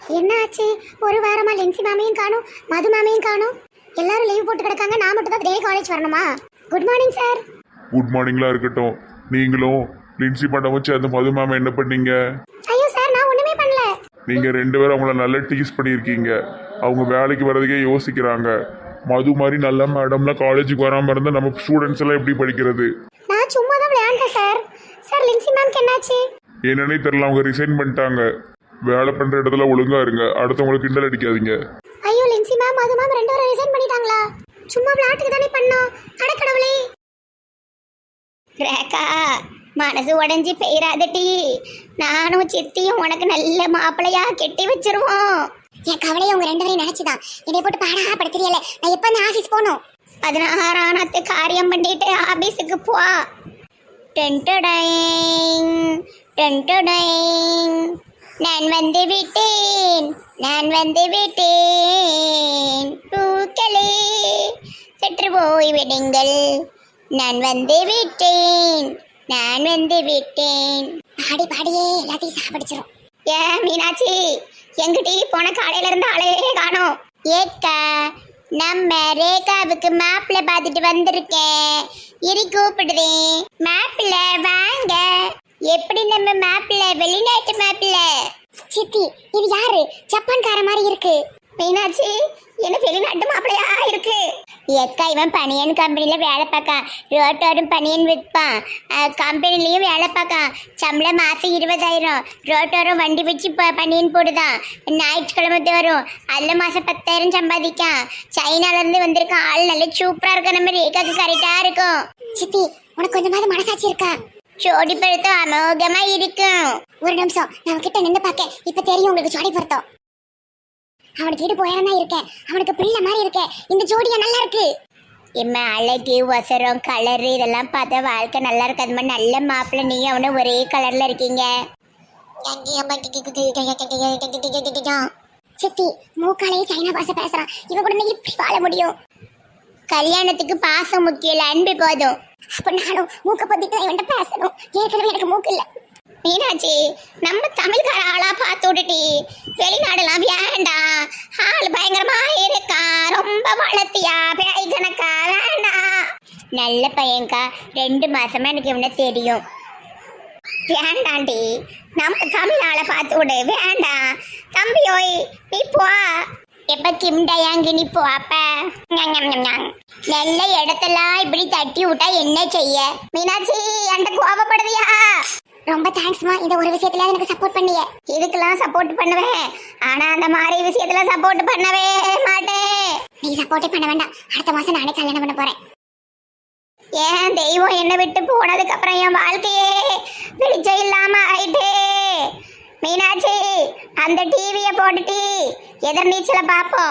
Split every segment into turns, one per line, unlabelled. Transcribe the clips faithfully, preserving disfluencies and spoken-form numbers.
என்ன ஆச்சு? ஒரு வாரமா லின்சி மாமியும் காணும், மது மாமியும் காணும். எல்லாரும் லீவ் போட்டு கிடக்காங்க. நான் மட்டும் தான் டெய்லி காலேஜ் வரணுமா? Good morning sir.
குட் மார்னிங்லாம் இருக்கட்டும். நீங்களும் லின்சி மேடமும் சேர்ந்து மது மேம் என்ன பண்ணீங்க?
ஐயோ சார், நான் ஒண்ணுமே பண்ணல.
நீங்க ரெண்டு பேரும் அவங்கள நல்லா டீஸ் பண்ணியிருக்கீங்க. அவங்க வேலைக்கு வர்றதுக்கே யோசிக்கிறாங்க. மது மாதிரி நல்ல மேடம்லாம் காலேஜுக்கு வராமல் இருந்தால் நம்ம ஸ்டூடெண்ட்ஸ் எல்லாம் எப்படி படிக்கிறது?
நான் சும்மா தான் விளையாண்டேன் சார். சார் லின்சி மேம்க்கு என்னாச்சு?
என்னன்னே தெரியல, அவங்க ரிசைன் பண்ணிட்டாங்க. வேலை பண்ற இடத்துல ஒழுங்கா இருங்க, அடுத்தவங்களுக்கு கிண்டல் அடிக்காதீங்க.
ஐயோ, லின்சி மேம் மது மேம் ரெண்டு பேரும் ரிசைன் பண்ணிட்டாங்களா? சும்மா விளையாட்டுக்கு தானே பண்ணோம். அட கடவுளே. ரேகா, மனசு உடஞ்சி பெயராதட்டி. நானும் சித்தியும் உனக்கு நல்ல மாப்பிள்ளையா கெட்டி வச்சிருவோம். என் கவலையை உங்க ரெண்டு பேரையும் நினைச்சுதான் என்னை போட்டு பாடா படுத்துறியல. நான் எப்ப அந்த ஆபீஸ் போகணும்? பதினாறானத்து காரியம் பண்ணிட்டு ஆபீஸுக்கு போ. டென்டடைங் டென்டடைங். நான் வந்து விட்டேன், நான் வந்து விட்டேன். பூக்களே சற்று போய் விடுங்கள். நான் வந்து விட்டேன், நான் வந்து விட்டேன். பாடி பாடியே எல்லாத்தையும் சாப்பிடிச்சிரும். ஏ மீனாட்சி, எங்கிட்ட போன காலையில இருந்து ஆளே காணோம். ஏக்கா, நம்ம ரேகாவுக்கு மேப்ல பார்த்துட்டு வந்திருக்கேன். இரு கூப்பிடுறேன். மேப்ல வாங்க. எப்படி நம்ம மேப்ல? வெளிநாட்டு மேப்ல. சித்தி, இது யாரு? ஜப்பான்கார மாதிரி இருக்கு. மீனாட்சி, என்ன வெளிநாட்டு மாப்பிள்ளையா இருக்கு? ஏக்கா, இவன் பனியன் கம்பெனில வேலை பார்க்கான். ரோட்டோரும் பனியன் விற்பான். கம்பெனிலையும் வேலை பார்க்கான். சம்பளம் மாசம் இருபதாயிரம். ரோட்டோரும் வண்டி வச்சு பனியன் போடுதான். ஞாயிற்றுக்கிழமை வரும். அதில் மாசம் பத்தாயிரம் சம்பாதிக்கான். சைனால இருந்து வந்திருக்கான். ஆள் நல்ல சூப்பரா இருக்க. நம்ம ரேகாக்கு கரெக்டா இருக்கும். சித்தி, உனக்கு கொஞ்சமாவது மனசாட்சி இருக்கா? ஜோடி பொருத்தம் அமோகமா இருக்கும். ஒரு நிமிஷம் நான் கிட்ட நின்று பார்க்க. இப்ப தெரியும் உங்களுக்கு ஜோடி பொருத்தம். அவனுக்கு இடு போயிரம் தான் இருக்கேன். அவனுக்கு பிள்ளை மாதிரி இருக்கேன். இந்த ஜோடியா நல்லா இருக்கு. எம்மா, அழகு, ஒசரம், கலரு இதெல்லாம் பார்த்தா வாழ்க்கை நல்லா இருக்கு. அது மாதிரி நல்ல மாப்பிள்ளை. நீ அவனு ஒரே கலர்ல இருக்கீங்க. சித்தி, மூக்காலையே சைனா பாச பேசுறான். இவன் கூட இப்படி வாழ முடியும்? கல்யாணத்துக்கு பாசம் முக்கியம் இல்ல, அன்பு போதும். அப்ப நானும் மூக்க பத்திட்டு இவன்ட்ட பேசணும். ஏற்கனவே எனக்கு மூக்கு இல்ல. மீனாட்சி, நம்ம தமிழ்கார ஆளா பார்த்து விட்டுட்டி. வெளிநாடுலாம் வேண்டாம். ஆள் பயங்கரமா இருக்கா. ரொம்ப வளர்த்தியா பேய் கணக்கா? வேண்டாம். நல்ல பையன்கா. ரெண்டு மாசமா எனக்கு இவனை தெரியும். வேண்டாண்டி, நம்ம தமிழ் ஆளை பார்த்து விடு. வேண்டாம். தம்பியோய், நீ போ. எப்ப கிம்டயாங்கி நீ போ. அப்ப நல்ல இடத்தெல்லாம் இப்படி தட்டி விட்டா என்ன செய்ய? மீனாட்சி, என்கிட்ட கோபப்படுறியா? ரொம்ப தேங்க்ஸ்மா. இந்த ஒரு விஷயத்துல எனக்கு சப்போர்ட் பண்ணிய. இதுக்கெல்லாம் சப்போர்ட் பண்ணுவேன். ஆனா அந்த மாதிரி விஷயத்துல சப்போர்ட் பண்ணவே மாட்டேன். நீ சப்போர்ட் பண்ண வேண்டாம். அடுத்த மாசம் நானே கல்யாணம் பண்ண போறேன். ஏன் தெய்வம் என்னை விட்டு போனதுக்கு அப்புறம் என் வாழ்க்கையே வெளிச்சம் இல்லாம ஆயிட்டே. மீனாட்சி, அந்த டிவியை போட்டுட்டி எதிர்நீச்சலை பார்ப்போம்.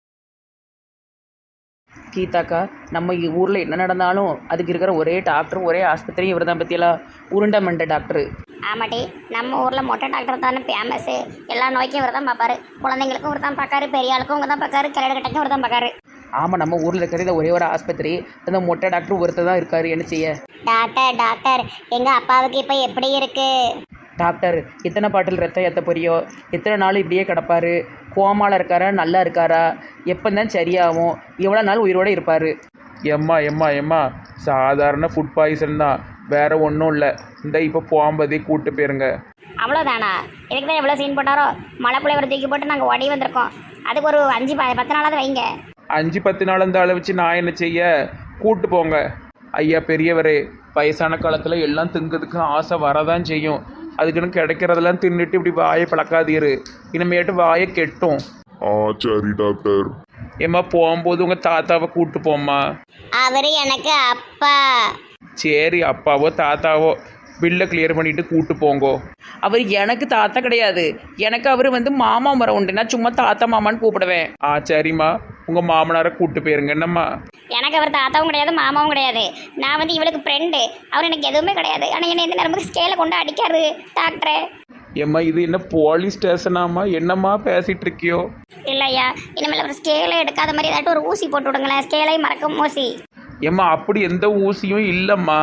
கீதாக்கா, நம்ம ஊரில் என்ன நடந்தாலும் அதுக்கு இருக்கிற ஒரே டாக்டர், ஒரே ஆஸ்பத்திரி இவர் தான். பற்றியெல்லாம் உருண்டை மண்டை டாக்டரு.
ஆமாட்டி, நம்ம ஊரில் மொட்டை டாக்டர் தானே ஃபேமஸ்ஸு. எல்லா நோய்க்கும் இவர் தான் பார்ப்பாரு. குழந்தைங்களுக்கும் இவர் தான் பார்க்காரு, பெரிய ஆளுக்கும் இவர் தான் பார்க்காரு, கிளடு கட்டைக்கும் இவர் தான் பார்க்காரு.
ஆமாம், நம்ம ஊரில் இருக்கிறது ஒரே ஒரு ஆஸ்பத்திரி. அந்த மொட்டை டாக்டர் ஒருத்தர் தான் இருக்காரு. என்ன செய்ய?
டாக்டர் டாக்டர் எங்கள் அப்பாவுக்கு இப்போ எப்படி இருக்கு?
டாக்டர், எத்தனை பாட்டில் ரத்தம் ஏற்ற போறியோ? எத்தனை நாள் இப்படியே கிடப்பாரு? கோமாவில் இருக்காரா, நல்லா இருக்காரா? எப்போ தான் சரியாகும்? எவ்வளோ நாள் உயிரோடு இருப்பார்?
எம்மா எம்மா எம்மா சாதாரண ஃபுட் பாய்சன் தான், வேற ஒன்றும் இல்லை. இந்த இப்போ போகும்போதே கூட்டு போயிருங்க.
அவ்வளோதானா? இதுக்கு தான் எவ்வளோ சீன் போட்டாரோ. மழை புள்ளைவரை தூக்கி போட்டு நாங்கள் ஓடி வந்திருக்கோம். அதுக்கு ஒரு அஞ்சு ப பத்து நாளாவது வைங்க.
அஞ்சு பத்து நாள் அந்த அளவு வச்சு நான் என்ன செய்ய? கூட்டு போங்க. ஐயா பெரியவரே, வயசான காலத்தில் எல்லாம் திங்கிறதுக்கு ஆசை வரதான் செய்யும். அதுக்குன்னு கிடைக்கிறதெல்லாம் தின்னுட்டு இப்படி வாயை பழக்காதீரு. இனிமேட்டு வாயை கெட்டும்.
ஆ சரி டாக்டர்.
ஏம்மா, போகும்போது உங்கள் தாத்தாவை கூட்டு போம்மா.
அவர் எனக்கு அப்பா.
சரி, அப்பாவோ தாத்தாவோ பில்லை கிளியர் பண்ணிட்டு கூட்டு போங்கோ.
அவர் எனக்கு தாத்தா கிடையாது. எனக்கு அவர் வந்து மாமா மரம் உண்டு. நான் சும்மா தாத்தா மாமான்னு கூப்பிடுவேன்.
ஆ சரிம்மா, உங்கள் மாமனாரை கூட்டு போயிருங்க. என்னம்மா?
எனக்கு அவர் தாத்தாவும் கிடையாது, மாமாவும் கிடையாது. நான் வந்து இவளுக்கு ஃப்ரெண்டு. அவர் எனக்கு எதுவுமே கிடையாது. ஆனால் என்னை எந்த நேரமும் ஸ்கேலை கொண்டு அடிக்காரு டாக்டரே.
ஏம்மா, இது என்ன போலீஸ் ஸ்டேஷனாம்மா? என்னம்மா பேசிகிட்டு இருக்கியோ?
இல்லையா, இனிமேல் ஒரு ஸ்கேலை எடுக்காத மாதிரி ஏதாட்டும் ஒரு ஊசி போட்டு விடுங்களேன். ஸ்கேலை மறக்கும் ஊசி.
ஏம்மா, அப்படி எந்த ஊசியும் இல்லைம்மா.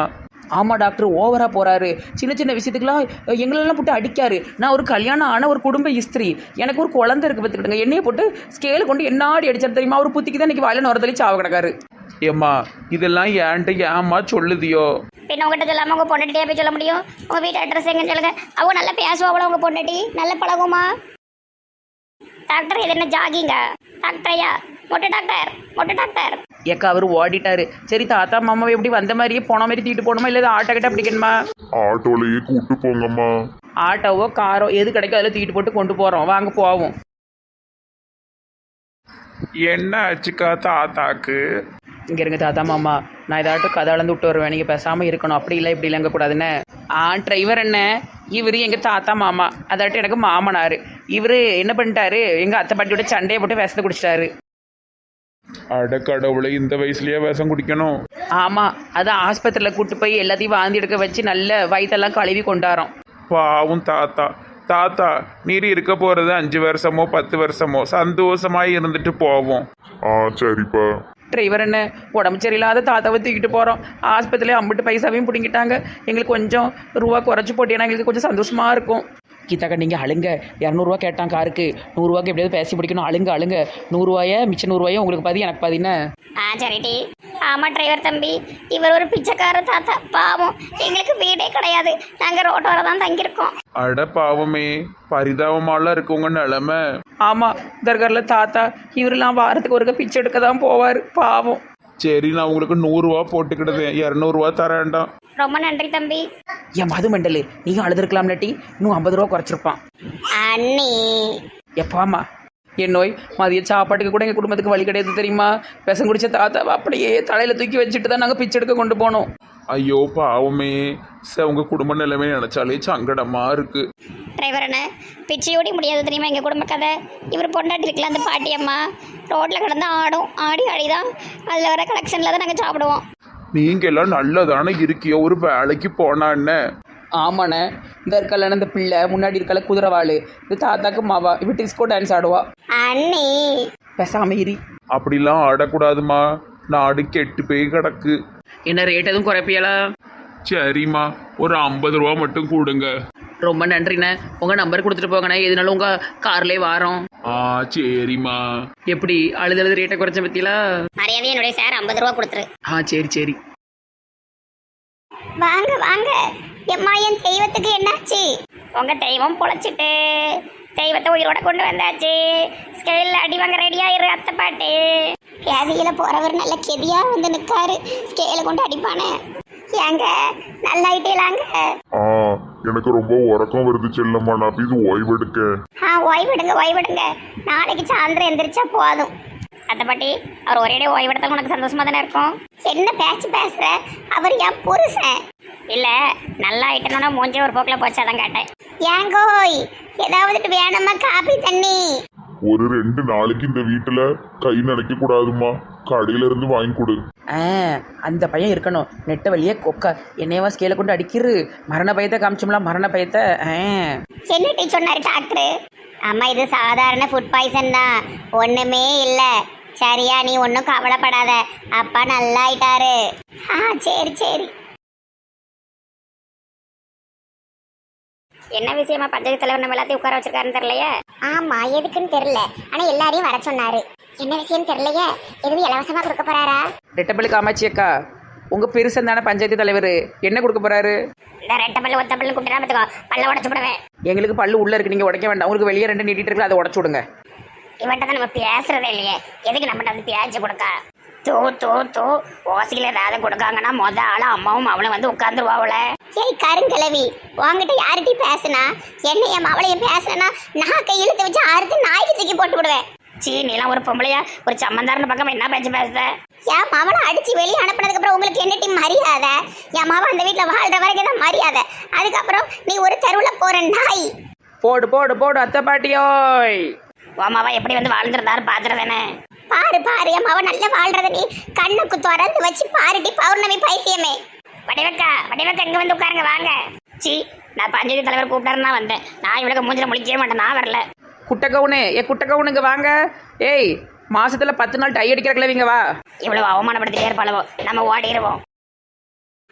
ஆமாம் டாக்டர் ஓவராக போகிறாரு. சின்ன சின்ன விஷயத்துக்குலாம் எங்களெல்லாம் போட்டு அடிக்காரு. நான் ஒரு கல்யாணம் ஆன ஒரு குடும்ப இஸ்திரி, எனக்கு ஒரு குழந்தை இருக்குது பார்த்துக்கிட்டுங்க. என்னையை போட்டு ஸ்கேலு கொண்டு என்னாடி அடிச்சார் தெரியுமா? அவர் புத்திக்கு தான் இன்றைக்கி வாயில நுரத்தலி சாவ கிடக்காரு.
ஏம்மா இதெல்லாம் ஏன்ட்டு ஏம்மா சொல்லுதியோ?
பின்ன உங்ககிட்ட சொல்லாமல் உங்கள் பொண்டாட்டியே போய் சொல்ல முடியும்? உங்கள் வீட்டு அட்ரஸ் எங்கன்னு சொல்லுங்க. அவங்க நல்லா பேசுவாங்களா உங்கள் பொண்டாட்டி? நல்ல பழகுமா? டாக்டர் இது என்ன ஜாகிங்க? டாக்டரையா? மொட்டை டாக்டர், மொட்டை டாக்டர்.
ஏக்கா அவர் ஓடிட்டாரு. சரி தாத்தா மாமாவை எப்படி வந்த மாதிரியே போன மாதிரி தூக்கிட்டு போகணுமா, இல்லை ஆட்டோ கிட்ட பிடிக்கணுமா?
ஆட்டோலயே கூட்டு போங்கம்மா.
ஆட்டோவோ காரோ எது கிடைக்கும் அதில் தூக்கிட்டு போட்டு கொண்டு போகிறோம். வாங்க போவோம்.
என்ன ஆச்சுக்கா தாத்தாக்கு?
இங்கே இருங்க தாத்தா மாமா, நான் ஏதாட்டும் கதை அளந்து விட்டு வருவேன். நீங்கள் பேசாமல் இருக்கணும். அப்படி இல்லை இப்படி இல்லைங்க கூடாதுன்னு. ஆ டிரைவர் என்ன, இவர் எங்கள் தாத்தா மாமா, அதாட்டும் எனக்கு மாமனார். இவர் என்ன பண்ணிட்டாரு, எங்கள் அத்தை பாட்டியோட சண்டையை போட்டு விஷத்தை குடிச்சிட்டாரு.
அட கடவுளை, இந்த வயசுலயே விஷம் குடிக்கணும்?
ஆமாம், அதான் ஆஸ்பத்திரியில் கூட்டு போய் எல்லாத்தையும் வாந்தி எடுக்க வச்சு நல்ல வயிற்றெல்லாம் கழுவி கொண்டாரோம்.
பாவும் தாத்தா. தாத்தா நீர் இருக்க போறது அஞ்சு வருஷமோ பத்து வருஷமோ சந்தோஷமாய் இருந்துட்டு போவோம்.
ஆ சரிப்பா.
டிரைவர் என்ன, உடம்பு சரியில்லாத தாத்தாவை தூக்கிட்டு போகிறோம். ஆஸ்பத்திரியில் அம்பிட்டு பைசாவையும் பிடிங்கிட்டாங்க. எங்களுக்கு கொஞ்சம் ரூபா குறைச்சி போட்டீங்கன்னா எங்களுக்கு கொஞ்சம் சந்தோஷமாக இருக்கும். கீதாக்கா நீங்கள் அழுங்க. இரநூறுவா கேட்டான் காருக்கு, நூறுரூவாக்கு எப்படியாவது பேசி பிடிக்கணும். அழுங்க அழுங்க. நூறுரூவாயை மிச்சம் நூறுரூவாயை உங்களுக்கு பாதி எனக்கு பாதின்னு.
ஆ சரிடி. ஆமாம் டிரைவர் தம்பி, இவர் ஒரு பிச்சைக்கார தாத்தா. பாவம், எங்களுக்கு வீடே கிடையாது. நாங்கள் ரோட்டோர தான் தங்கியிருக்கோம்.
அட பாவமே, பரிதாபமாலாம் இருக்கு உங்க நிலைமை.
ஆமாம், தர்காரில் தாத்தா இவரெல்லாம் வாரத்துக்கு ஒருக்க பிச்சை எடுக்க தான் போவார். பாவம்.
சரி, நான் உங்களுக்கு நூறுரூவா போட்டுக்கிடுதேன், இரநூறுவா தரேன்டாம்.
ரொம்ப நன்றி தம்பி.
என் மது மண்டலு, நீங்கள் அழுதுருக்கலாம் இல்லாட்டி இன்னும் ஐம்பது ரூபா குறைச்சிருப்பான்.
அண்ணி
எப்பாமா என் நோய் மதிய சாப்பாட்டுக்கு கூட எங்கள் குடும்பத்துக்கு வழி கிடையாது தெரியுமா? விஷம் குடிச்ச தாத்தாவை அப்படியே தலையில் தூக்கி வச்சுட்டு தான் நாங்கள் பிச்சை எடுக்க கொண்டு போனோம்.
ஐயோ பாவமே, சார் உங்க குடும்ப நிலைமை நினைச்சாலே சங்கடமா இருக்கு.
டிரைவர் அண்ணா, பிச்சையோடி முடியாது தெரியுமா எங்கள் குடும்ப கதை. இவர் பொண்டாட்டி இருக்குல்ல அந்த பாட்டி அம்மா, ரோட்டில் கிடந்து ஆடும். ஆடி ஆடி தான் அதில் வர கலெக்ஷனில் தான் நாங்கள் சாப்பிடுவோம்.
நீங்க எல்லாம் நல்லதானே இருக்கியோ, ஒரு வேலைக்கு போனான்னு.
ஆமாண்ணே, இந்த இருக்கல இந்த பிள்ளை முன்னாடி இருக்கல குதிரவாள், இந்த தாத்தாக்கு மாவா இவ டிஸ்கோ டான்ஸ் ஆடுவா.
அண்ணி
பேசாம இரி.
அப்படிலாம் ஆடக்கூடாதுமா, நாடு கெட்டு போய் கிடக்கு.
என்ன ரேட் எதுவும் குறைப்பியலா?
சரிம்மா, ஒரு ஐம்பது ரூபா மட்டும் கொடுங்க.
ரொம்ப நன்றிண்ணே. உங்கள் நம்பர் கொடுத்துட்டு போங்கண்ணே, எதுனாலும் உங்கள் கார்லேயே வாரோம்.
ஆ சரிம்மா.
எப்படி அழுது அழுது ரேட்டை குறைச்ச பற்றிலா?
மரியாதை என்னுடைய சார் ஐம்பது ரூபா கொடுத்துரு.
ஆ சரி சரி.
வாங்க வாங்க. எம்மா என் தெய்வத்துக்கு என்னாச்சு? உங்க தெய்வம் பொழைச்சிட்டு தெய்வத்தை உயிரோட கொண்டு வந்தாச்சு. ஸ்கேலில் அடி வாங்க ரெடியாயிரு அத்தை பாட்டு. கேதியில போறவர் நல்ல கெதியா வந்து நிற்காரு. ஸ்கேல கொண்டு அடிப்பானே. ஏங்க நல்லாயிட்டேலாங்க?
ஆ எனக்கு ரொம்ப உறக்கம் வருது செல்லம்மா, நான் போய் ஓய்வெடுக்க.
ஆ ஓய்வெடுங்க ஓய்வெடுங்க. நாளைக்கு சாயந்தரம் எந்திரிச்சா போதும். அத்தை பாட்டி, அவர் ஒரே ஓய்வெடுத்தா உனக்கு சந்தோஷமா தானே இருக்கும். என்ன பேச்சு பேசுற? அவர் என் புருஷன் இல்ல. நல்லா ஆயிட்டணும்னா மூஞ்சே ஒரு போக்கில் போச்சாதான் கேட்டேன். ஏங்கோய் ஏதாவது வேணுமா காபி தண்ணி?
ஒரு ரெண்டு நாளைக்கு இந்த வீட்டுல கை நினைக்க கூடாதுமா, கடையில இருந்து வாங்கி கொடு.
ஆ அந்த பையன் இருக்கணும். நெட்ட வழியே கொக்க என்னையவா ஸ்கேலை கொண்டு அடிக்கிறு. மரண பயத்தை காமிச்சோம்லாம், மரண பயத்தை. ஆ
என்ன டீ சொன்னாரு டாக்டர்? அம்மா இது சாதாரண ஃபுட் பாய்சன் தான், ஒண்ணுமே இல்லை. சரியா, நீ ஒன்றும் கவலைப்படாத. அப்பா நல்லா ஆயிட்டாரு. ஆ சரி சரி. என்ன விஷயமா பஞ்சாயத்து தலைவர் நம்ம எல்லாத்தையும் உட்கார வச்சிருக்காருன்னு தெரியலையே. ஆமா, எதுக்குன்னு தெரியல. ஆனா எல்லாரையும் வர சொன்னாரு. என்ன விஷயம் தெரியலையே. எதுவும் இலவசமா கொடுக்க போறாரா?
ரெட்டப்பள்ளி காமாட்சி அக்கா, உங்க பெருசன் தானே பஞ்சாயத்து தலைவர், என்ன கொடுக்க போறாரு?
இந்த ரெட்டை பல்லு ஒத்த பல்லு கூப்பிட்டு பார்த்துக்கோ, பல்ல உடச்சு விடுவேன்.
எங்களுக்கு பல்லு உள்ள இருக்கு, நீங்க உடைக்க வேண்டாம். உங்களுக்கு வெளியே ரெண்டு நீட்டிட்டு இருக்கு, அதை உடச்சு விடுங்க.
இவன்ட்ட தான் நம்ம பேசுறதே இல்லையே, எதுக்கு நம்மகிட்ட வந்து பேச்சு கொடுக்க? தூ தூ தூ ஓசியில ஏதாவது கொடுக்காங்கன்னா மொத ஆள அம்மாவும் அவளும் வந்து உட்காந்துருவாவுல. ஏய் கருங்கிழவி, உங்ககிட்ட யார்கிட்ட பேசுனா என்னையும் அவளையும் பேசுனா நான் கையிழுத்து வச்சு அறுத்து நாய்க்கு தூக்கி போட்டு விடுவேன். சீ, நீலாம் ஒரு பொம்பளையா ஒரு சம்மந்தாரன பக்கம் என்ன பேச்சு பேசுத? என் மாவனை அடிச்சு வெளியே அனுப்பினதுக்கு அப்புறம் உங்களுக்கு என்ன டீம் மரியாதை? என் மாவன் அந்த வீட்டுல வாழ்ற வரைக்கும் தான் மரியாதை. அதுக்கப்புறம் நீ ஒரு தெருவுல போற நாய்.
போடு போடு போடு அத்தை பாட்டியோய்.
உமாவா எப்படி வந்து வாழ்ந்துருந்தாரு பாத்துறதானே? பாரு பாரு, என் மாவன் நல்லா வாழ்றத நீ கண்ணுக்கு திறந்து வச்சு பாருடி பௌர்ணமி பைத்தியமே. வடிவக்கா வடிவக்கா இங்க வந்து உட்காருங்க வாங்க. சி, நான் பஞ்சாயத்து தலைவர் கூப்பிட்டாருன்னா வந்தேன். நான் இவளுக்கு மூஞ்சில முழிக்கவே மாட்டேன், நான் வரல.
குட்டை கவுனு ஏ குட்டை கவுனுங்க வாங்க. ஏய் மாசத்துல பத்து நாள் டை அடிக்கிற கிளவிங்க வா.
இவ்வளவு அவமானப்படுத்திட்டே இருப்பாளவோ, நம்ம ஓடிடுவோம்.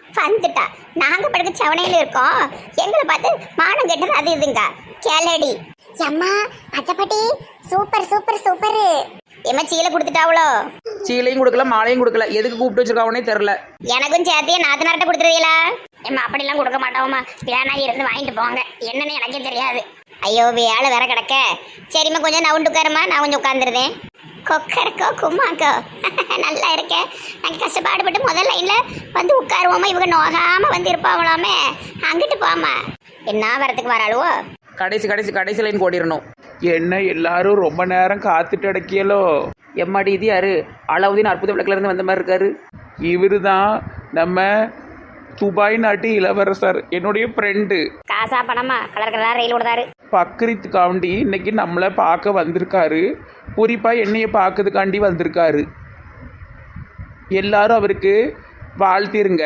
வந்துட்டா நாங்க படுக்க சவனையில இருக்கோம், எங்களை பார்த்து மானம் கெட்டது அது இதுங்க கேளடி. அம்மா பச்சைப்பட்டி சூப்பர் சூப்பர் சூப்பர். எம்மா சீலை கொடுத்துட்டாவளோ?
சீலையும் கொடுக்கல மாலையும் கொடுக்கல, எதுக்கு கூப்பிட்டு வச்சிருக்காவனே தெரில.
எனக்கும் சேர்த்தியே நாத்தனார்ட்ட கொடுத்துருவீங்களா? எம்மா அப்படிலாம் கொடுக்க மாட்டோம்மா, வேணா இருந்து வாங்கிட்டு போங்க, என்னன்னு எனக்கே தெரியாது. ஐயோ வேலை வேற கிடக்க. சரிம்மா கொஞ்சம் நவுண்டு உட்காருமா, நான் கொஞ்சம் உட்காந்துருந்தேன். கொக்கரக்கோ கும்மாக்கோ நல்லா இருக்கேன். நாங்கள் கஷ்டப்பாடுபட்டு முதல் லைன்ல வந்து உட்காருவோமா, இவங்க நோகாம வந்து இருப்பாங்களாமே. அங்கிட்டு போமா, என்ன வரத்துக்கு வராளுவோ?
கடைசி கடைசி கடைசி லைன் ஓடிடணும்.
என்ன எல்லாரும் ரொம்ப நேரம் காத்துட்டு அடக்கியலோ?
எம்மாடி இது யாரு? அலாவுதீன் அற்புத விளக்குல இருந்து வந்த மாதிரி இருக்காரு.
இவரு தான் நம்ம துபாய் நாட்டு இளவரசர், என்னுடைய ஃப்ரெண்டு.
காசா பணமா கலர் கலர் ரயில் விடுதாரு.
பக்ரீத்துக்காண்டி இன்னைக்கு நம்மளை பார்க்க வந்திருக்காரு. குறிப்பாக என்னைய பார்க்கறதுக்காண்டி வந்திருக்காரு. எல்லாரும் அவருக்கு வாழ்த்திருங்க.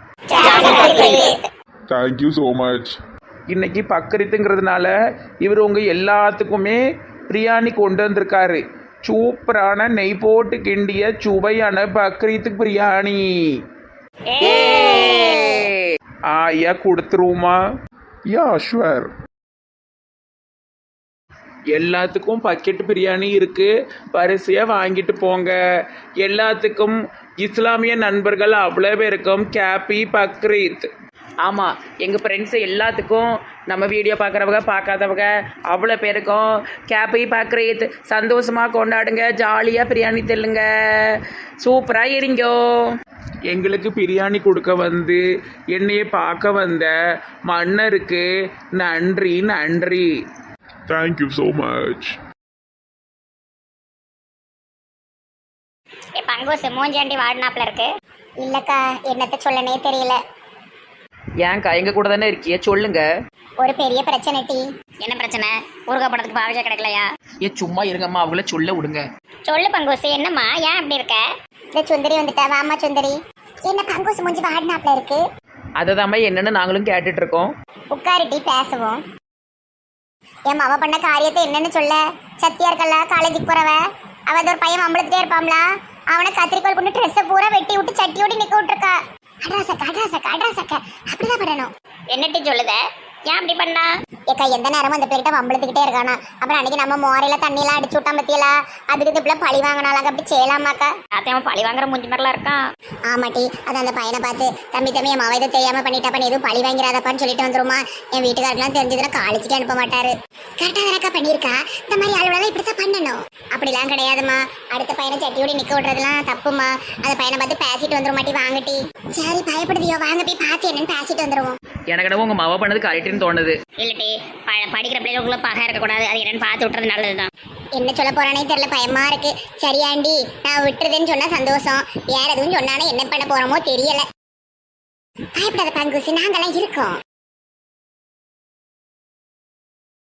Thank you so much.
இன்னைக்கு பக்ரீத்துங்கிறதுனால இவர் உங்கள் எல்லாத்துக்குமே பிரியாணி கொண்டு வந்திருக்காரு. சூப்பரான நெய் போட்டு கிண்டிய சுவையான பக்ரீத்து பிரியாணி. ஆ ஐயா கொடுத்துருவோமா?
Yeah sure.
எல்லாத்துக்கும் பக்கெட் பிரியாணி இருக்கு, வரிசையாக வாங்கிட்டு போங்க. எல்லாத்துக்கும் இஸ்லாமிய நண்பர்கள் அவ்வளோ பேருக்கும் கேப்பி பக்ரீத்.
ஆமாம், எங்கள் ஃப்ரெண்ட்ஸு எல்லாத்துக்கும், நம்ம வீடியோ பார்க்குறவங்க பார்க்காதவங்க அவ்வளோ பேருக்கும் கேப்பி பக்ரீத். சந்தோஷமாக கொண்டாடுங்க, ஜாலியாக பிரியாணி தெல்லுங்க, சூப்பராக இருங்கோ.
எங்களுக்கு பிரியாணி கொடுக்க வந்து என்னையை பார்க்க வந்த மன்னருக்கு நன்றி நன்றி.
Thank you so much.
பங்கோசு மூஞ்சாண்டி வாடினாப்ல இருக்கு. இல்லக்கா என்னத்த சொல்லனே தெரியல.
ஏன்க்கா எங்கள் கூட தானே இருக்கிய, சொல்லுங்க.
ஒரு பெரிய பிரச்சனை டி. என்ன பிரச்சனை? ஊருகா படத்துக்கு பாவிச்சா கிடைக்கலையா?
ஏ சும்மா இருங்கம்மா, அவங்கள சொல்ல விடுங்க.
சொல்லு பங்கோசு, என்னம்மா ஏன் அப்படி இருக்க? இந்த சுந்தரி வந்துட்டா. வாமா சுந்தரி. என்ன பங்கோசு மூஞ்சி வாடினாப்ல இருக்கு?
அதை தாம்மா என்னன்னு நாங்களும் கேட்டுட்டு இருக்கோம்.
உட்காரு டி பேசுவோம். என் மாவ பண்ண காரியத்தை என்னன்னு சொல்ல. சத்தியா இருக்கல்ல காலேஜுக்கு போறவ, அவ ஒரு பையன் வம்பளத்துட்டே இருப்பாம்ல, அவனை கத்திரிக்கோள் கொண்டு ட்ரெஸ்ஸை பூரா வெட்டி விட்டு சட்டியோடி நிக்க விட்டுருக்கா. அட்ராசக்க அட்ராசக்க அட்ராசக்க அப்படிதான் பண்ணணும். என்னட்டி சொல்லுத? ஏன் அப்படி பண்ணா? ஏக்கா எந்த நேரமும் அந்த பேர்கிட்ட வம்பளத்துக்கிட்டே இருக்கானா. அப்புறம் அன்னைக்கு நம்ம மோரையில தண்ணியெல்லாம் அடிச்சு விட்டான் பத்தியலா, அதுக்கு இப்ப பழி வாங்கினாலாங்க. அப்படி செய்யலாமாக்கா? அத்தையவன் பழி வாங்குற மூஞ்சி மாதிரிலாம் இருக்கான். ஆமாட்டி, அது அந்த பையனை பார்த்து தம்பி தம்பி என் மாவை இதை தெரியாம பண்ணிட்டா, பண்ணி எதுவும் பழி வாங்கிறாதப்பான்னு சொல்லிட்டு வந்துருமா. என் வீட்டுக்காரருக்குலாம் தெரிஞ்சதுன்னா காலேஜுக்கே அனுப்ப மாட்டாரு. கரெக்டா தானக்கா பண்ணியிருக்கா. இந்த மாதிரி ஆளுவெல்லாம் இப்படித்தான் பண்ணணும். அப்படிலாம் கிடையாதுமா. அடுத்த பையனை சட்டியோடி நிக்க விடுறதுலாம் தப்புமா. அந்த பையனை பார்த்து பேசிட்டு வந்துரும் மாட்டி. வாங்கட்டி. சரி பயப்படுதியோ, வாங்க போய் பார்த்து என்னன்னு பேசிட்டு வந்துருவோம்.
எனக்கு என்னவோ உங்கள் மாவா பண்ணது கரெக்டுன்னு தோணுது.
இல்லட்டி படிக்கிற பிள்ளைகளுக்குள்ள பகை இருக்கக்கூடாது, அது என்னன்னு பார்த்து விட்டுறது நல்லதுதான். என்ன சொல்ல போறானே தெரியல, பயமா இருக்கு. சரியாண்டி, நான் விட்டுறதுன்னு சொன்னா சந்தோஷம், வேற எதுவும் சொன்னானே என்ன பண்ண போறோமோ தெரியல. பயப்படாத பங்குசி, நாங்கெல்லாம் இருக்கோம்.